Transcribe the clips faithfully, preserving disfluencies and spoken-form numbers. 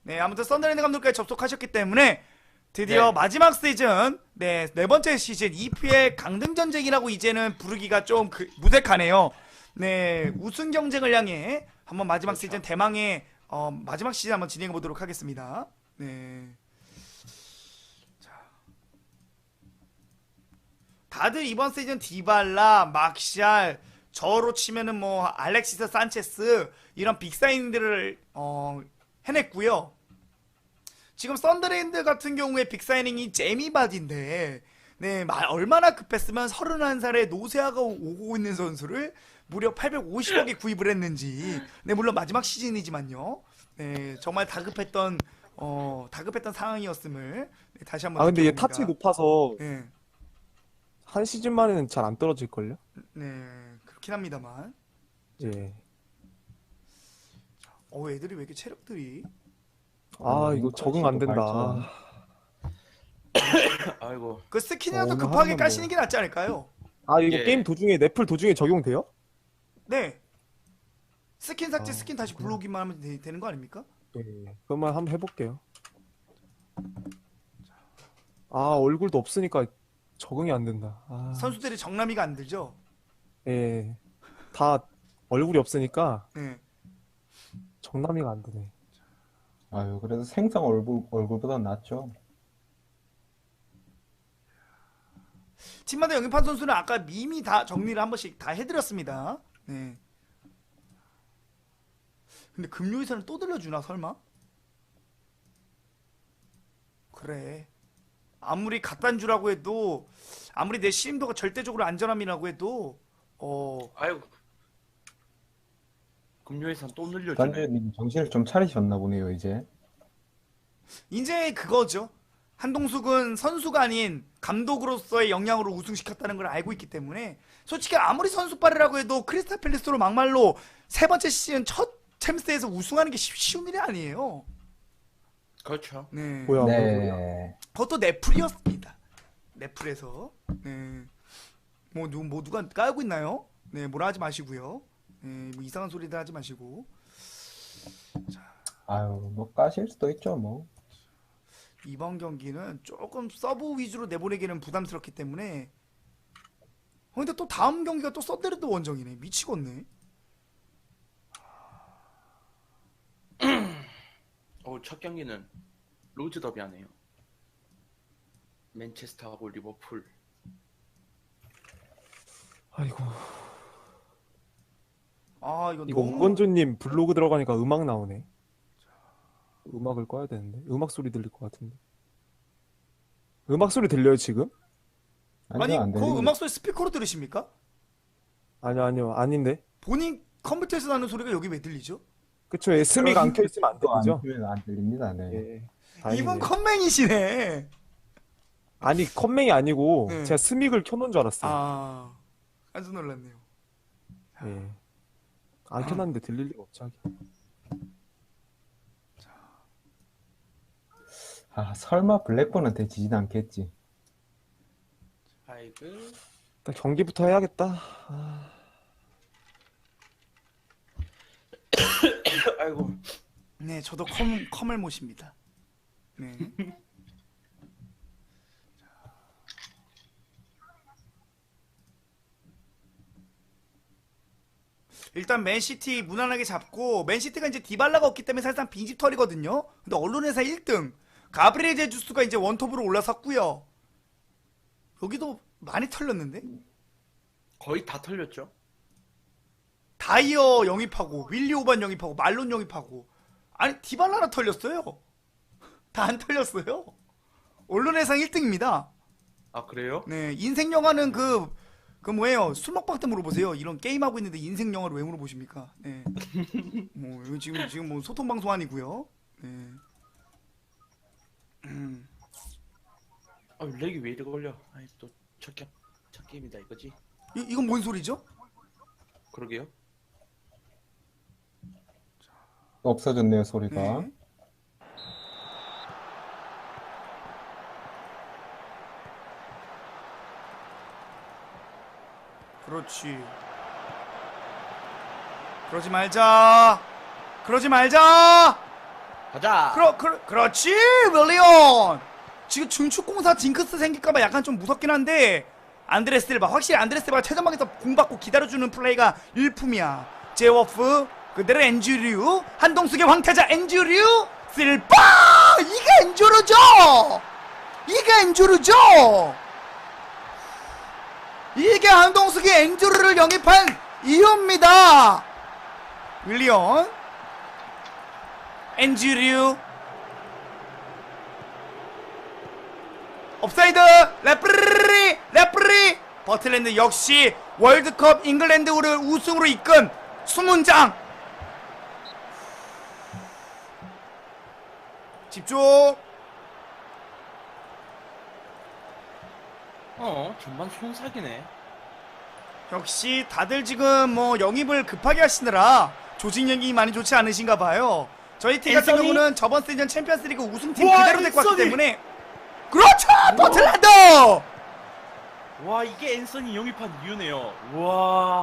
네, 아무튼 썬더랜드 감독까지 접속하셨기 때문에 드디어 네. 마지막 시즌, 네, 네 번째 시즌 이피엘 강등 전쟁이라고 이제는 부르기가 좀 그, 무색하네요. 네, 우승 경쟁을 향해 한번 마지막 그렇죠. 시즌 대망의 어, 마지막 시즌 한번 진행해 보도록 하겠습니다. 네. 다들 이번 시즌 디발라, 막샬, 저로 치면은 뭐 알렉시스 산체스 이런 빅사이닝들을 어, 해냈고요. 지금 썬더랜드 같은 경우에 빅사이닝이 제미바디인데 네, 마- 얼마나 급했으면 서른한 살에 노세아가 오- 오고 있는 선수를 무려 팔백오십억에 구입을 했는지. 네, 물론 마지막 시즌이지만요. 네, 정말 다급했던 어, 다급했던 상황이었음을 네, 다시 한번 아 근데 얘 타치 느껴봅니다. 높아서 네, 한 시즌 만에는 잘 안 떨어질걸요? 네, 그렇긴 합니다만. 예. 어, 애들이 왜 이렇게 체력들이? 아 어, 이거 적응 안 된다. 발전. 아이고. 그 스킨이라도 어, 오늘 급하게 하루만 까시는 뭐. 게 낫지 않을까요? 아 이거 예. 게임 도중에 넷플 도중에 적용돼요? 네. 스킨 삭제, 아, 스킨 다시 그렇구나. 불러오기만 하면 되, 되는 거 아닙니까? 예. 그것만 한번 해볼게요. 아 얼굴도 없으니까 적응이 안 된다. 아, 선수들이 정남이가 안 들죠? 예. 다 얼굴이 없으니까 네. 정남이가 안 되네. 아유, 그래도 생성 얼굴, 얼굴보다 낫죠. 팀마다 영입한 선수는 아까 이미 다 정리를 한 번씩 다 해드렸습니다. 네. 근데 금요일에는 또 들려주나 설마? 그래. 아무리 갓단 주라고 해도 아무리 내 시임도가 절대적으로 안전함이라고 해도 어 아이고. 금요일산 또 늘려주네. 단장님 정신을 좀 차리셨나 보네요, 이제. 이제 그거죠. 한동숙은 선수가 아닌 감독으로서의 역량으로 우승시켰다는 걸 알고 있기 때문에 솔직히 아무리 선수빨이라고 해도 크리스탈 팰리스로 막말로 세 번째 시즌 첫 챔스에서 우승하는 게 쉬- 쉬운 일이 아니에요. 그렇죠. 네. 뭐야? 뭐야? 네. 그것도 넷플이었습니다. 넷플에서. 네. 뭐, 누, 뭐 누가 까고 있나요? 네, 뭐라 하지 마시고요. 네, 뭐 이상한 소리들 하지 마시고. 아유, 뭐 까실 수도 있죠, 뭐. 이번 경기는 조금 서브 위주로 내보내기는 부담스럽기 때문에. 어, 근데 또 다음 경기가 또 썬데르드 원정이네. 미치겠네. 어, 첫 경기는 로즈 더비 하네요. 맨체스터하고 리버풀. 아이고 아, 이거 이거 너무 우건조님 블로그 들어가니까 음악 나오네. 음악을 꺼야 되는데 음악 소리 들릴 것 같은데. 음악 소리 들려요 지금? 아니, 아니요, 안 그 들립니다. 음악 소리 스피커로 들으십니까? 아니요 아니요 아닌데. 본인 컴퓨터에서 나는 소리가 여기 왜 들리죠? 그쵸 에스미가 안 켜있으면 안 또 안 들리죠? 들리면 안 들립니다, 네. 예. 이분 다행이네. 컴맹이시네. 아니 컴맹이 아니고 네. 제가 스믹을 켜놓은 줄 알았어요. 아, 깜짝 놀랐네요. 예. 안 켜놨는데 들릴 리가 없지 하긴. 아, 설마 블랙본한테 지진 않겠지. 아이고. 일단 경기부터 해야겠다. 아, 아이고. 네, 저도 컴, 컴을 모십니다. 네. 일단 맨시티 무난하게 잡고 맨시티가 이제 디발라가 없기 때문에 사실상 빈집털이거든요. 근데 언론에서 일 등 가브리엘 제주스가 이제 원톱으로 올라섰고요. 여기도 많이 털렸는데 거의 다 털렸죠. 다이어 영입하고 윌리 오반 영입하고 말론 영입하고 아니 디발라나 털렸어요. 다 안 털렸어요. 언론에상 일 등입니다. 아, 그래요? 네, 인생 영화는 그, 그 뭐예요? 술 먹방 때 물어보세요. 이런 게임 하고 있는데 인생 영화를 왜 물어보십니까? 네. 뭐 이거 지금 지금 뭐 소통 방송 아니고요. 네. 음. 아, 렉이 왜 이리 걸려? 아이, 또 첫 경, 첫 게임이다 이거지. 이 이건 뭔 소리죠? 그러게요. 없어졌네요, 소리가. 네. 그렇지. 그러지 말자. 그러지 말자. 가자. 그러, 그러, 그렇지 윌리언. 지금 중축공사 징크스 생길까봐 약간 좀 무섭긴 한데 안드레 실바 확실히 안드레 실바가 최전방에서 공받고 기다려주는 플레이가 일품이야. 제워프 그대로 엔주류 한동숙의 황태자 엔주류 실바 이게 엔주르죠. 이게 엔주르죠. 이게 한동숙이 엔주르를 영입한 이유입니다. 윌리언 엔주류 업사이드 레프리 레프리 버틀랜드 역시 월드컵 잉글랜드를 우승으로 이끈 수문장. 집중. 어, 전반 손삭이네. 역시 다들 지금 뭐 영입을 급하게 하시느라 조직력이 많이 좋지 않으신가 봐요. 저희 팀 같은 앤서니? 경우는 저번 시즌 챔피언스리그 우승팀 우와, 그대로 데리고 왔기 앤서니! 때문에 그렇죠 버틀랜드. 와, 이게 앤서니 영입한 이유네요. 와,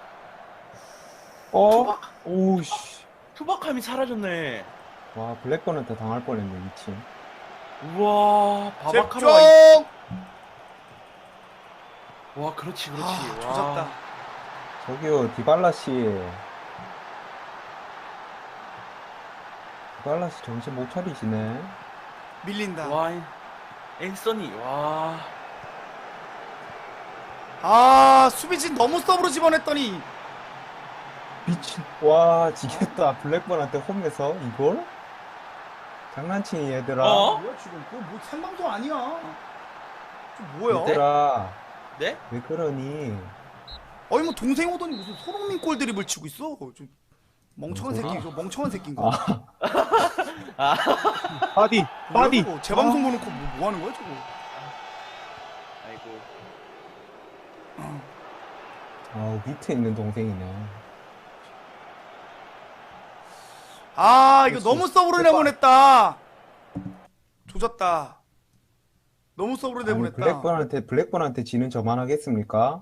어? 오우씨. 투박함이 사라졌네. 와, 블랙번한테 당할 뻔했네, 이 팀. 우와, 집중. 바바카로와. 와, 그렇지, 그렇지. 아, 와. 조졌다. 저기요, 디발라씨. 디발라씨 정신 못 차리시네. 밀린다. 와, 앤서니, 와. 아 수비진 너무 서브로 집어냈더니 미친. 와, 지겠다. 블랙번한테 홈에서 이걸? 장난치니, 얘들아. 어? 뭐야 지금 그거 뭐 생방송 아니야. 저 뭐야? 얘들아, 네? 왜 그러니? 어이 뭐 동생 오더니 무슨 손흥민 골 드립을 치고 있어. 좀 멍청한 뭐야? 새끼, 저 멍청한 새끼인가? 아, 바디, 바디. 뭐야, 저거? 재방송 보놓고 뭐, 뭐 하는 거야 저거? 아이고. 아, 밑에 있는 동생이네. 아 이거 그렇지. 너무 서브로 대박. 내보냈다. 조졌다. 너무 서브로 아니, 내보냈다. 블랙번한테, 블랙번한테 지는 저만 하겠습니까?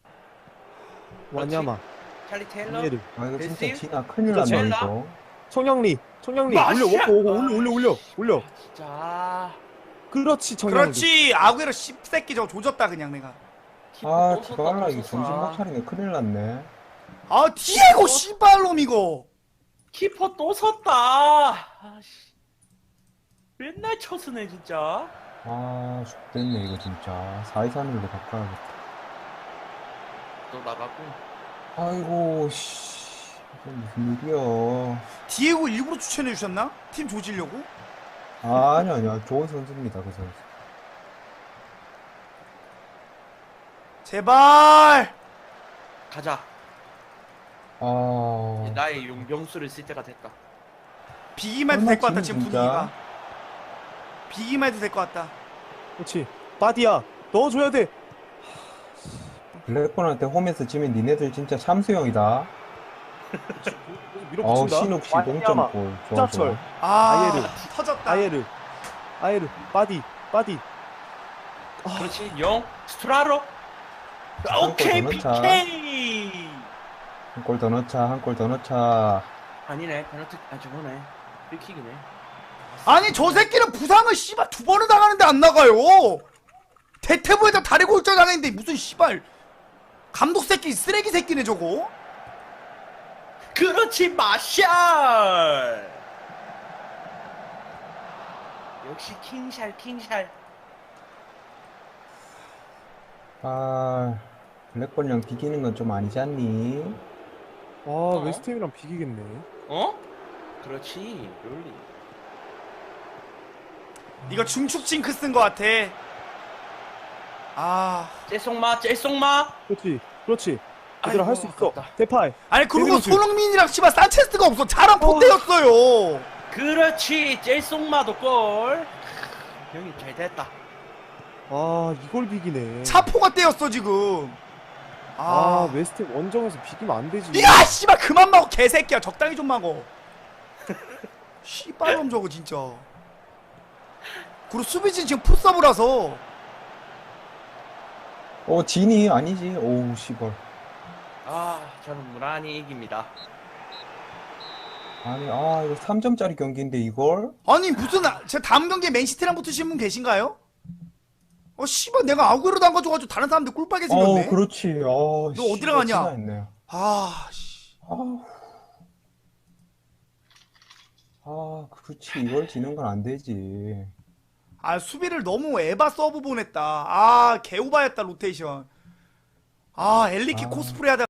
와냐마. 찰리 테일러? 이해를. 아, 이거 진짜 베스틸? 지나 큰일 진짜 났네, 젤라? 이거. 청량리, 청량리. 마샤! 올려, 올려, 올려, 올려, 올려, 올려. 진짜. 그렇지, 청량리. 그렇지 아구에로 씹새끼 저거 조졌다 그냥 내가. 아, 또 섰다, 디발라 또 이거 섰다. 정신 못 차리네. 큰일 났네. 아 디에고 씨발놈 이거. 키퍼 또 섰다. 아씨. 맨날 쳐스네 진짜. 아, 죽겠네, 이거 진짜. 사 이 삼 일로 바꿔야겠다. 또 나가고. 아이고, 씨. 이게 무슨 일이야. 디에고 일부러 추천해 주셨나? 팀 조지려고? 아, 아니, 아니야. 좋은 선수입니다, 그 선수. 제발. 가자. 아, 나의 용병수를 쓸 때가 됐다. 비기만 해도 될 것 같다 얼마 지금 진짜? 분위기가. 비기만 해도 될 것 같다. 그렇지. 바디야, 넣어줘야 돼. 블랙번한테 홈에서 지면 니네들 진짜 참수형이다. 어우, 어우, 밀어붙인다. 신욱 씨 와냐마, 동점골. 좋아, 후자철, 좋아. 아 아예르. 터졌다. 아예르, 아예르, 바디, 바디. 그렇지. 영 스트라로. 한 오케이 골 더 넣자. 피케이. 한 골 더 넣자, 한 골 더 넣자. 아니네. 페널티. 아 저거네. 프리킥이네. 아니 저 새끼는 부상을 씨발 두 번을 당하는데 안 나가요. 대퇴부에다 다리 골절 당했는데 무슨 씨발 감독 새끼 쓰레기 새끼네 저거. 그렇지 마샬. 역시 킹샬 킹샬. 아, 블랙번이랑 비기는 건 좀 아니지 않니? 아, 웨스트햄이랑 비기겠네. 어? 그렇지. 롤리. 이거 중축 징크스인 것 같아. 아 째송마 째송마. 그렇지, 그렇지. 얘들아 할 수 있어. 아깝다. 대파이. 아니 그리고 데뷔로즈. 손흥민이랑 씨발 산체스가 없어. 잘한 포대였어요. 그렇지. 째송마도 골. 형이 잘 됐다. 아, 이걸 비기네. 차포가 떼였어 지금. 아, 아, 웨스트햄 원정에서 비기면 안 되지. 야 씨발 그만 먹어 개새끼야. 적당히 좀 먹어. 씨발놈 저거 진짜. 그리고 수비진 지금 풋서브라서. 어, 진이 아니지. 오우, 씨발. 아 저는 무난히 이깁니다. 아니, 아, 이거 삼 점짜리 경기인데 이걸? 아니 무슨 아- 제 다음 경기에 맨시티랑 붙으신 분 계신가요? 어 씨발 내가 아구에로도 안 가져가지고 다른 사람들 꿀빨게 생겼네. 어, 그렇지. 어, 너 어디로 가냐? 했네. 아 씨. 아, 아, 그렇지. 이걸 지는 건 안 되지. 아 수비를 너무 에바 서브 보냈다. 아 개오바였다 로테이션. 아 엘리키 아. 코스프레 하다